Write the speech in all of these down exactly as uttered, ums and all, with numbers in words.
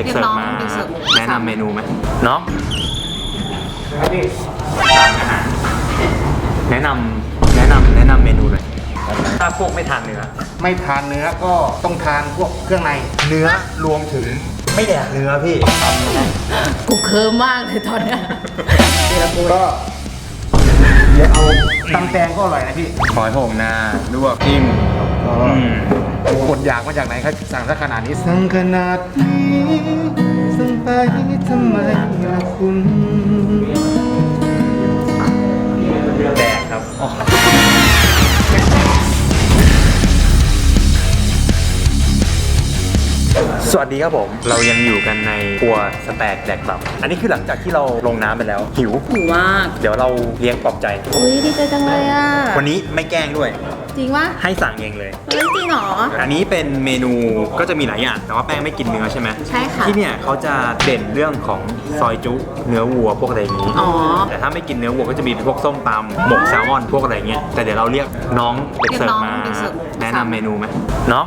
เสิร์ฟมาแนะนำเมนูไหมน้องแนะนำแนะนำแนะนำเมนูเลยถ้าพวกไม่ทานเนื้อไม่ทานเนื้อก็ต้องทานพวกเครื่องในเนื้อรวมถึงไม่แดกเนื้อพี่กูเคิร์มมากเลยตอนเนี้ยก็เดี๋ยวเอาตำแตงก็อร่อยนะพี่หอยโหงนาลวกจิ้มกดอยากมาจากไหนครับสั่งซะขนาดนี้สั่งขนาดนี้สั่งไปทำไมล่ะคุณแดกครับสวัสดีครับผมเรายังอยู่กันในครัวสแต็กแดกตับอันนี้คือหลังจากที่เราลงน้ำไปแล้วหิวหิวมากเดี๋ยวเราเลี้ยงปลอบใจอุ้ยดีใจจังเลยอ่ะวันนี้ไม่แกล้งด้วยจริงวะให้สั่งเองเลยเฮ้ยจริงเหรออันนี้เป็นเมนูก็จะมีหลายอย่างแต่ว่าแป้งไม่กินเนื้อใช่ไหมใช่ค่ะที่เนี่ยเขาจะเด่นเรื่องของซอยจุเนื้อวัวพวกอะไรอย่างนี้อ๋อแต่ถ้าไม่กินเนื้อวัวก็จะมีพวกส้มตำหมกแซลมอนพวกอะไรเงี้ยแต่เดี๋ยวเราเรียกน้องเด็กเสิร์ฟมาแนะนำเมนูไหมน้อง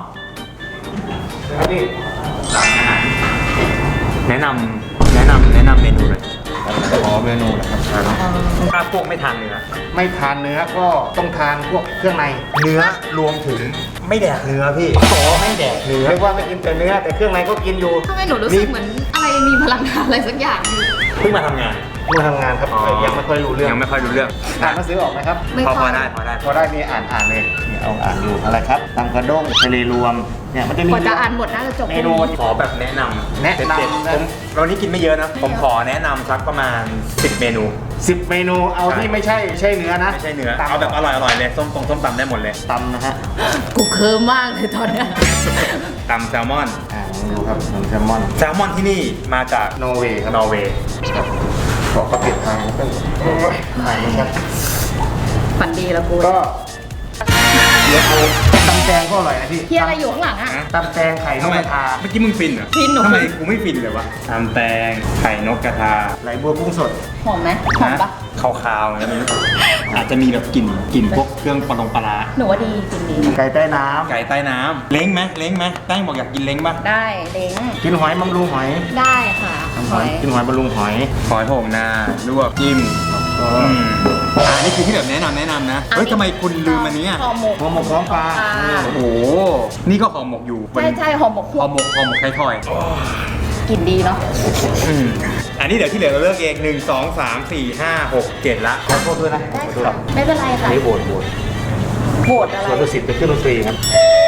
สั่งอาหารแนะนำแนะนำแนะนำเมนูเลยขอเมนูนะครับถ้าพวกไม่ทานเนื้อไม่ทานเนื้อก็ต้องทานพวกเครื่องในเนื้อรวมถึงไม่แดกเนื้อพี่ขอไม่แดกเนื้อเรียกว่าไม่กินแต่เนื้อแต่เครื่องในก็กินอยู่ทำไมหนูรู้สึกเหมือนอะไรมีพลังงานอะไรสักอย่างเพิ่งมาทำงานเพิ่งมาทำงานครับยังไม่ค่อยรู้เรื่องยังไม่ค่อยรู้เรื่องอ่านหนังสือออกไหมครับพอพอได้พอได้พอได้มีอ่านอ่านเลยเอาอ่านดูอะไรครับตำกระด้งทะเลรวมเนี่ยมันจะมีกว่าจะอ่านหมดน่าจะจบเมนูขอแบบแนะนำแนะนำผมเรานี้กินไม่เยอะนะผมขอแนะนำสักประมาณสิบเมนูสิบเมนูเอาที่ไม่ใช่ใช่เนื้อนะไม่ใช่เนื้อเอาแบบอร่อยอร่อยเลยส้มตรงส้มตำได้หมดเลยตำนะฮะกูเคิร์มมากเลยตอนเนี้ยตำแซลมอนอ่าดูครับแซลมอนแซลมอนที่นี่มาจากนอร์เวย์ครับนอร์เวย์ขอเขาเปลี่ยนทางก็ถ่ายนะครับฝันดีแล้วกูก็เดี๋ยวเอาตำแตงก็อร่อยนะพี่เฮียอะไรอยู่ข้างหลังอ่ะตำแตงไข่นกกระทาเมื่อกี้มึงฟินเหรอฟินหนูทำไมกูไม่ฟินเลยวะตำแตงไข่นกกระทาไหลบัวกุ้งสดหอมไหมหอมปะคาวๆนะนี่อาจจะมีแบบกลิ่นกลิ่นพวกเครื่องปลงปลาหนูว่าดีจริงดีไก่ใต้น้ำไก่ใต้น้ำเล้งไหมเล้งไหมแป้งบอกอยากกินเล้งป่ะได้เล้งกินหอยบำรุงหอยได้ค่ะหอยกินหอยบำรุงหอยหอยโหงนาลวกจิ้มอ่านี่คือที่แบบแนะนำแนะนำนะเฮ้ยทำไมคุณลืมอันนี้ห่อหมกห่อหมกพร้อมปลาโอ้โหนี่ก็ห่อหมกอยู่ใช่ใช่ห่อหมกห่อหมกห่อหมกไข่ทอยกลิ่นดีเนาะอันนี้เดี๋ยวที่เหลือเราเลือกเองหนึ่งสองสามสี่ห้าหกเจ็ดละขอโทษด้วยนะได้ค่ะไม่เป็นไรค่ะนี่โบดโบดโบดอะไรส่วนดุสิตเป็นเครื่องดนตรีครับ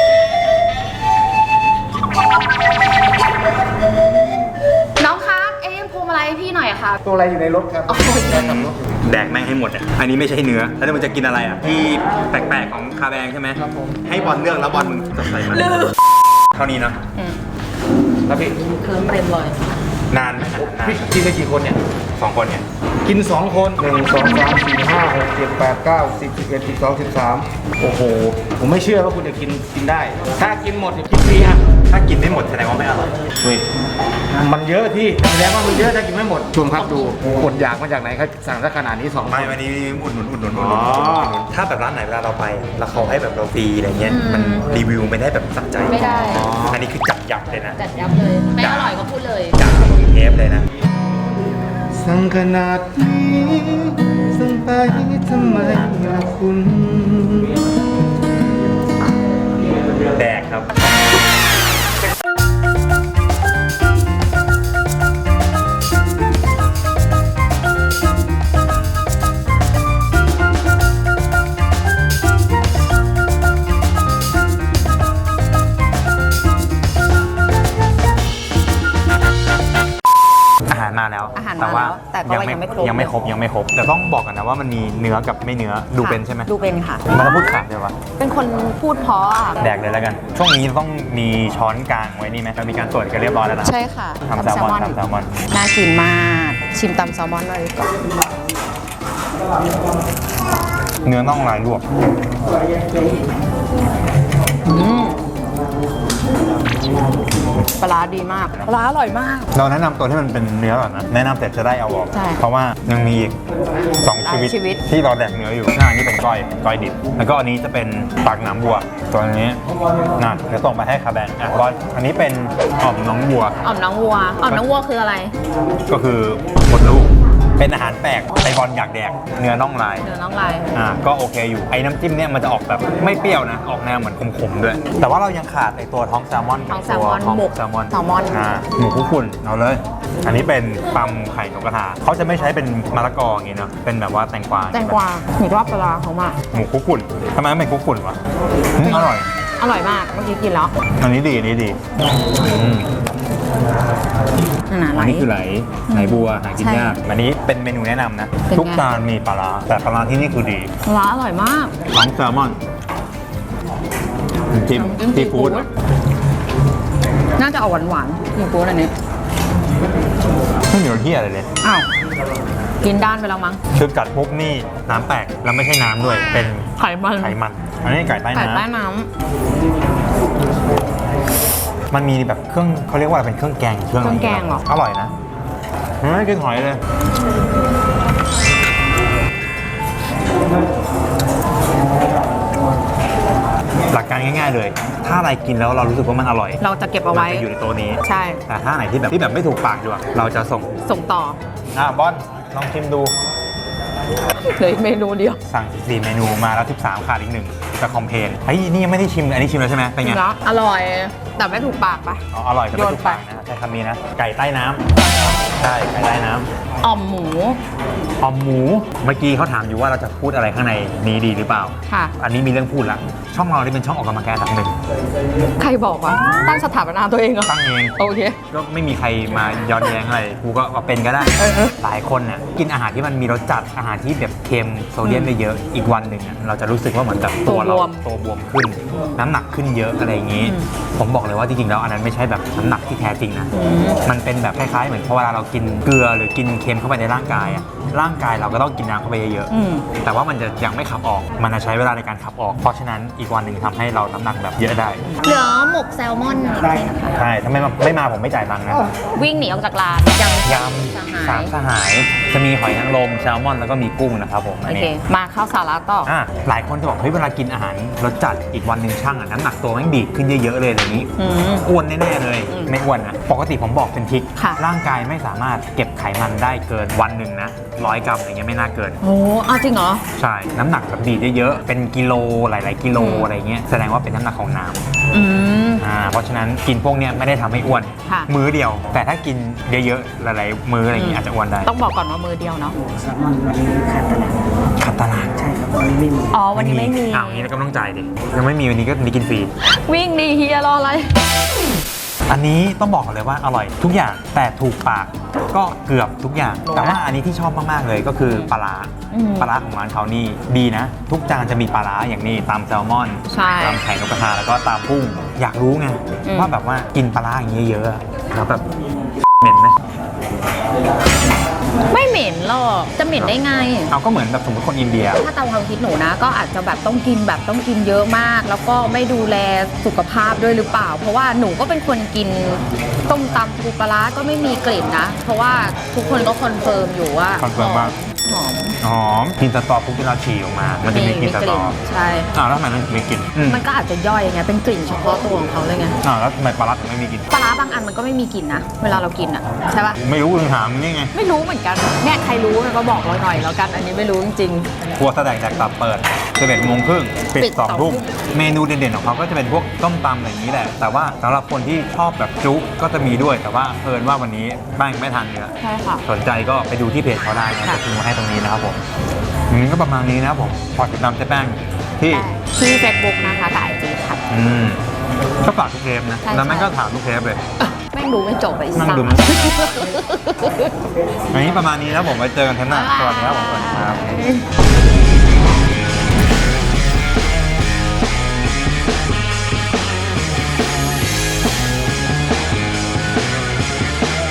น้องคะเอ็มพวงมาลัยพี่หน่อยค่ะตัวอะไรอยู่ในรถครับแดกแม่งให้หมดอ่ะอันนี้ไม่ใช่เนื้อแล้วมันจะกินอะไรอ่ะที่แปลกๆของคาแบงใช่ไหมครับผมให้บอลเลือกแล้วบอลมึงจะใส่มาเท่านี้นะแล้วพี่เคิร์มเต็มเลยนานไหมพี่กินได้กี่คนเนี่ยสองคนเนี่ยกินสองคนหนึ่งสองสามสี่ห้าหกเจ็ดแปดเก้าสิบสิบเอ็ดสิบสองสิบสามโอ้โหผมไม่เชื่อว่าคุณจะกินกินได้ถ้ากินหมดเนี่ยกินฟรีอ่ะถ้ากินไม่หมดแสดงว่าไม่อร่อยเฮ้ยมันเยอะที่แสดงว่ามันเยอะถ้ากินไม่หมดชมครับดูกดอยากมาจากไหนครับสั่งซะขนาดนี้สองไม่วันนี้อุดหนุนอุดหนุนอุดหนุนถ้าแบบร้านไหนเวลาเราไปแล้วเขาให้แบบเราฟรีอะไรเงี้ยมันรีวิวไม่ได้แบบสักใจไม่ได้อันนี้คือจัดยับเลยนะจัดยับเลยไม่อร่อยก็พูดเลยจัดเทปเลยนะสั่งขนาดนี้สั่งไปทำไมล่ะคุณแดกครับมาแล้วแต่ว่ายังไม่ครบยังไม่ครบยังไม่ครบแต่ต้องบอกกันนะว่ามันมีเนื้อกับไม่เนื้อดูเป็นใช่ไหมดูเป็นค่ะมันพูดขาดเลยวะเป็นคนพูดเพราะแดกเลยแล้วกันช่วงนี้ต้องมีช้อนกลางไว้นี่ไหมเรามีการตรวจกันเรียบร้อยแล้วนะใช่ค่ะทำแซลมอนทำแซลมอนน่ากินมากชิมตำแซลมอนเลยก่อนเนื้อน่องลายลวกปลาร้าดีมากปลาร้าอร่อยมากเราแนะนำตัวที่มันเป็นเนื้อก่อนนะแนะนำเสร็จจะได้เอาออกใช่เพราะว่ายังมีอีกสองหลายชีวิตชีวิตที่เราแดกเนื้ออยู่หน้านี้เป็นก้อยก้อยดิบแล้วก็อันนี้จะเป็นปากน้ำบัวตัวนี้น่ะเดี๋ยวส่งไปให้คาแบงอ่ะบอลอันนี้เป็นอ่อมน้องบัวอ่อมน้องวัวอ่อมน้องวัวคืออะไรก็คือมดลูกเป็นอาหารแปลกไอบอลอยากแดกเนื้อน่องลายเนื้อน้องลายอ่าก็โอเคอยู่ไอ้น้ำจิ้มเนี่ยมันจะออกแบบไม่เปรี้ยวนะออกแนวเหมือนขมๆด้วย แต่ว่าเรายังขาดไอตัวท้องแซลมอนท้กัอบ งแซตัลวมอนท้องหมกแซลมอนแซลมอนอ่าหมูคุกฝุ่นเอาเลย อันนี้เป็นปลาไข่นกกระทาเขาจะไม่ใช้เป็นมะละกออย่างงี้เนาะเป็นแบบว่าแตงกวาแตงกวาหนูชอบปลาร้าเขามากหมูคุกฝุ่นทำไมไม่เป็นคุกฝุ่นวะอืมอร่อยอร่อยมากเมื่อกี้กินแล้วอันนี้ดีอันนี้ดีอืมนั่นน่ะไหลอันนี้คือไหลไหลบัวหากินใช่ยากอันนี้เป็นเมนูแนะนำนะเป็นไงทุกจานมีปลาร้าแต่ปลาร้าที่นี่คือดีปลาร้าอร่อยมากท้องแซลมอนน้ำจิ้มน้ำจิ้มซีฟู้ดซีฟู้ด น่าจะเอาหวานหวานๆซีฟู้ดอันนี้ไม่มีรสเที่ยอะไรเลยอ้าวกินด้านไปแล้วมั้งคือกัดปุ๊บนี่น้ำแตกแล้วไม่ใช่น้ำด้วย เป็นไขมันไขมัน อันนี้ไก่ใต้ไก่น้ใต้น้ำมันมีแบบเครื่องเขาเรียกว่าอะไรเป็นเครื่องแกงเครื่องอะไรเครื่องแกงเหรออร่อยนะไม่กินหอยเลย หลักการง่ายๆเลย ถ้าอะไรกินแล้วเรารู้สึกว่ามันอร่อยำเราจะเก็บเอาไว้มันจะอยู่ในตัวนี้ใช่แต่ถ้าไหนที่แบบที่แบบไม่ถูกปากดีกว่าเราจะส่งส่งต่ออ่ะบอลลองชิมดูเหลืออีกเมนูเดียวสั่งสี่เมนูมาแล้วสิบสามขาดอีกหนึ่งจะคอมเพลนเฮ้ยนี่ยังไม่ได้ชิมอันนี้ชิมแล้วใช่ไหมเป็นไงแล้วอร่อย แต่ไม่ถูกปากปะอ๋ออร่อยแต่ไม่โยนถูกไปปากนะใช้คำนี้นะ ไก่ใต้น้ำใช่ไก่ใต้น้ำอ่อมหมูออมหมู เมื่อกี้เขาถามอยู่ว่าเราจะพูดอะไรข้างในนี้ดีหรือเปล่าค่ะอันนี้มีเรื่องพูดละ ช่องเรานี่เป็นช่องออกกำลังกายอันดับหนึ่งใครบอกวะตั้งสถาปนาตัวเองเหรอตั้งเองโอเคก็ไม่มีใครมาย้อนแย้งอะไร กูก็ว่าเป็นก็ได้เออเออหลายคนเนี่ยกินอาหารที่มันมีรสจัด อาหารที่แบบเค็มโซเดียมเยอะๆอีกวันหนึ่งอะเราจะรู้สึกว่าเหมือนกับตัวเราตัวบวมตัวบวมขึ้น น้ำหนักขึ้นเยอะอะไรอย่างนี้อืมผมบอกเลยว่าจริงๆแล้วอันนั้นไม่ใช่แบบน้ำหนักที่แท้จริงนะอืมมันเป็นแบบคล้ายๆเหมือนพอเวลาเรากินเกลือหรือกินเค็มเข้าไปในร่างกายอะร่างกายเราก็ต้องกินน้ำเข้าไปเยอะอืมๆแต่ว่ามันจะยังไม่ขับออก มันจะใช้เวลาในการขับออก เพราะฉะนั้นอีกวันหนึ่งทำให้เราน้ำหนักแบบเยอะได้เหลือหมกแซลมอนอีกทีนะคะใช่ถ้าไม่มาไม่มาผมไม่จ่ายตังค์นะวิ่งหนีออกจากร้านยังยำสามสหาย จะมีหอยนางรมแซลมอนแล้วก็มีกุ้งนะครับผมอัโอน เคนี้มาเข้าสาระต่ออ่ะหลายคนจะบอกเฮ้ยเวลากินอาหารรสจัดอีกวันหนึ่งช่างอ่ะน้ำหนักตัวแม่งดีดขึ้นเยอะๆเลยอย่างนี้อืมอ้วนแน่ๆเลยอืมไม่อ้วนนะปกติผมบอกเป็นทริกค่ะร่างกายไม่สามารถเก็บไขมันได้เกินวันหนึ่งนะร้อยกรัมอย่างเงี้ยไม่น่าเกินโอ้เอาจริงเหรอใช่น้ำหนักแบบดีดเยอะๆเป็นกิโลหลายๆกิโลอืมอะไรเงี้ยแสดงว่าเป็นน้ำหนักของน้ำอืมอ่าเพราะฉะนั้นกินพวกเนี้ยไม่ได้ทำให้อ้วนค่ะมื้อเดียว แต่ถ้ากินเยอะๆหลายๆมื้ออะไรอย่างงี้อาจจะอ้วนได้ต้องบอกก่อนว่ามือเดียวเนาะแซลมอนวันนี้ขาดตลาดขัดตลาดใช่ครับวันนี้ไม่มีอ๋อวันนี้ไม่มีอ้าวงี้เราก็ต้องจ่ายดิยังไม่มีวันนี้ก็นี่กินฟรีวิ่งดีเฮียรออะไรอันนี้ต้องบอกเลยว่าอร่อยทุกอย่างแต่ถูกปากก็เกือบทุกอย่าง แต่ว่าอันนี้ที่ชอบมากๆเลยก็คือปลาร้าอืมปลาร้าของร้านเขานี่ดีนะ ทุกจานจะมีปลาร้าอย่างนี้ตามแซลมอนใช่ตามไข่นกกระทาแล้วก็ตามกุ้ง อยากรู้ไงอืมว่าแบบว่ากินปลาร้าอย่างนี้เยอะอะแล้วแบบเหม็นไหมไม่เหม็นหรอกจะเหม็นได้ไงเอาก็เหมือนแบบสมมติคนอินเดียถ้าตามความคิดหนูนะ ก็อาจจะแบบต้องกินแบบต้องกินเยอะมาก แล้วก็ไม่ดูแลสุขภาพด้วยหรือเปล่า เพราะว่าหนูก็เป็นคนกินต้มตำปูปลาร้าก็ไม่มีกลิ่นนะ เพราะว่าทุกคนก็คอนเฟิร์มอยู่ว่าคอนเฟิร์มว่าหอมหอมกินสตอปุ๊บที่เราฉี่ออกมา มันจะมีกลิ่นสตอใช่อ้าวแล้วทำไมมันถึงไม่กลิ่นอืมมันก็อาจจะย่อยไงเป็นกลิ่นเฉพาะตัวของเขาเลยไงอ้าวแล้วทำไมปลาร้าถึงไม่มีกลิ่นปลาร้าบางอันมันก็ไม่มีกลิ่นนะเวลาเรากินอ่ะใช่ปะไม่รู้เลยถามนี่ไงไม่รู้เหมือนกันเนี่ยใครรู้ก็บอกเราหน่อยแล้วกัน อันนี้ไม่รู้จริงครัวแสดงจากตับเปิดสิบเอ็ดโมงครึ่งปิดปิดสองสองทุ่มทุ่มเมนูเด่นๆของเขาก็จะเป็นพวกต้มตำอะไรอย่างนี้แหละ แต่ว่าสำหรับคนที่ชอบแบบจุก็จะมีด้วย แต่ว่าเอิญว่าวันนี้แป้งไม่ทานเนื้อๆใช่ค่ะสนใจก็ไปดูที่เพจเขาได้นะค่ะจะทิ้งมาให้ตรงนี้นะครับผมอืมก็ประมาณนี้นะครับผมพอติดตามเจ๊แป้งที่ที่เฟซบุ๊กนะคะกับไอจีค่ะอืมก็ฝากทุกเทปนะใช่แล้วแม่งใช่ก็ถามทุกเทปเลยแม่งดูไม่จบไปนั่งสักดูมัน อันนี้ประมาณนี้นะผมไว้เจอกันเทปหน้าสวัสดีครับผมสวัสดีครับ